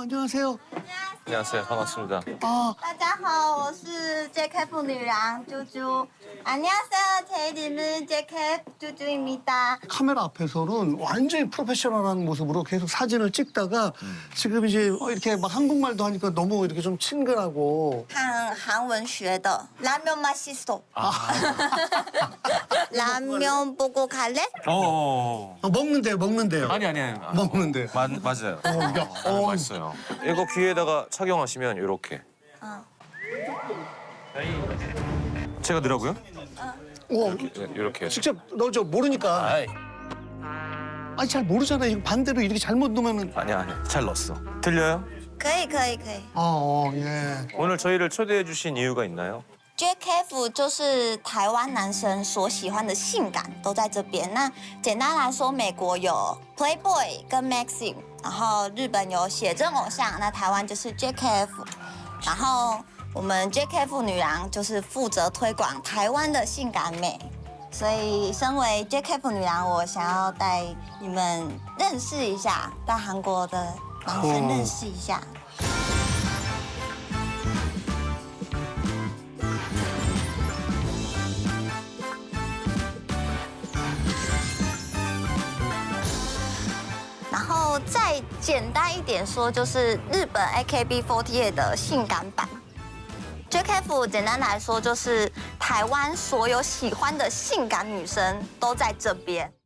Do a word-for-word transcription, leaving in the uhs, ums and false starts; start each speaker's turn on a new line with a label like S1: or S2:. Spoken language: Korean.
S1: 안녕하세요.
S2: 안녕하세요. 반갑습니다.
S1: 아,
S3: 大家好，我是 제이케이에프女郎猪猪。 안녕하세요, 제 이름은 제이케이에프猪猪입니다.
S1: 카메라 앞에서는 완전히 프로페셔널한 모습으로 계속 사진을 찍다가 지금 이제 어, 이렇게 막 한국말도 하니까 너무 이렇게 좀 친근하고.
S3: 韩韩文学的 라면 맛있어. 라면 보고 갈래?
S2: 어.
S1: 어, 먹는데요, 먹는데요.
S2: 아니 아니 아니.
S1: 먹는데.
S2: 마, 맞아요.
S1: 어, 야,
S2: 아,
S1: 어.
S2: 맛있어요. 이거 귀에다가 착용하시면 이렇게.
S3: 어.
S2: 제가 넣으라고요?
S1: 어,
S2: 이렇게.
S1: 직접 넣어줘. 모르니까.
S2: 아이.
S1: 아니, 잘 모르잖아요. 이거 반대로 이렇게 잘못 넣으면은.
S2: 아니 아니. 잘 넣었어. 들려요?
S3: 可以可以可以。
S1: 아, 어, 예.
S2: 오늘 저희를 초대해 주신 이유가 있나요?
S3: 제이케이에프 就是台湾男生所喜欢的性感都在这边。那简单来说，美国有 Playboy 跟 Maxim， 然后日本有写真偶像，那台湾就是 J K F。然后我们 J K F 女郎就是负责推广台湾的性感美。所以，身为 J K F 女郎，我想要带你们认识一下，带韩国的男生认识一下。 然后再简单一点说，就是日本 A K B 四十八 的性感版。J K F 简单来说，就是台湾所有喜欢的性感女生都在这边。